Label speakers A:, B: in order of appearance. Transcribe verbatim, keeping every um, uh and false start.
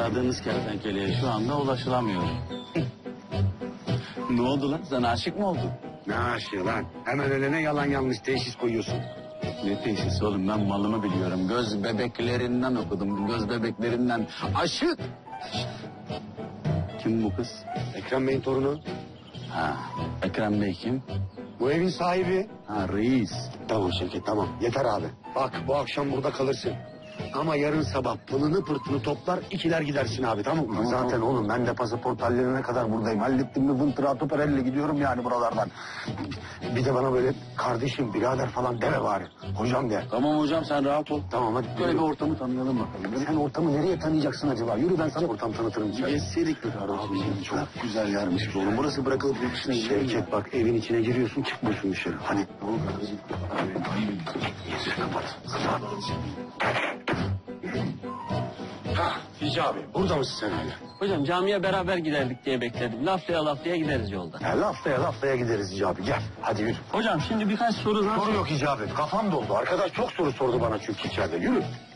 A: aradığınız kertenkeleye şu anda ulaşılamıyor. Ne oldu lan? Sen aşık mı oldun?
B: Ne aşığı lan? Hemen önüne yalan yanlış teşhis koyuyorsun.
A: Ne teşhis oğlum, ben malımı biliyorum. Göz bebeklerinden okudum, göz bebeklerinden. Aşık! Kim bu kız?
B: Ekrem Bey'in torunu.
A: Ha, Ekrem Bey kim?
B: Bu evin sahibi.
A: Ha, reis.
B: Tamam Şevket tamam yeter abi. Bak bu akşam burada kalırsın. Ama yarın sabah pılını pırtını toplar ikiler gidersin abi tamam mı?
A: Tamam,
B: Zaten
A: tamam.
B: oğlum ben de pasaport hallerine kadar buradayım. Hallettim mi vıntıratı perelle gidiyorum yani buralardan. Bir de bana böyle kardeşim birader falan deme bari. Hocam de.
A: Tamam hocam, sen rahat ol.
B: Tamam hadi.
A: Böyle
B: yürü.
A: bir ortamı tanıyalım bakalım.
B: Sen ortamı nereye tanıyacaksın acaba? Yürü ben sana ortam tanıtırım.
A: Gezselik bir kardeşim.
B: Çok güzel yermiş oğlum. Burası bırakılıp yurt dışına gidiyor. Şevket bak evin içine giriyorsun çıkmıyorsun dışarı. Hadi.
A: Ne oldu kardeşim?
B: Kapat. Kapat. Ha Hicabi burada mısın sen hala?
C: Hocam camiye beraber giderdik diye bekledim. Laflaya laflaya gideriz yolda.
B: Ya laftaya laftaya gideriz Hicabi gel. Hadi yürü.
C: Hocam şimdi birkaç soru daha...
B: Soru yok Hicabi. Kafam doldu. Arkadaş çok soru sordu bana çünkü içeride. Yürü.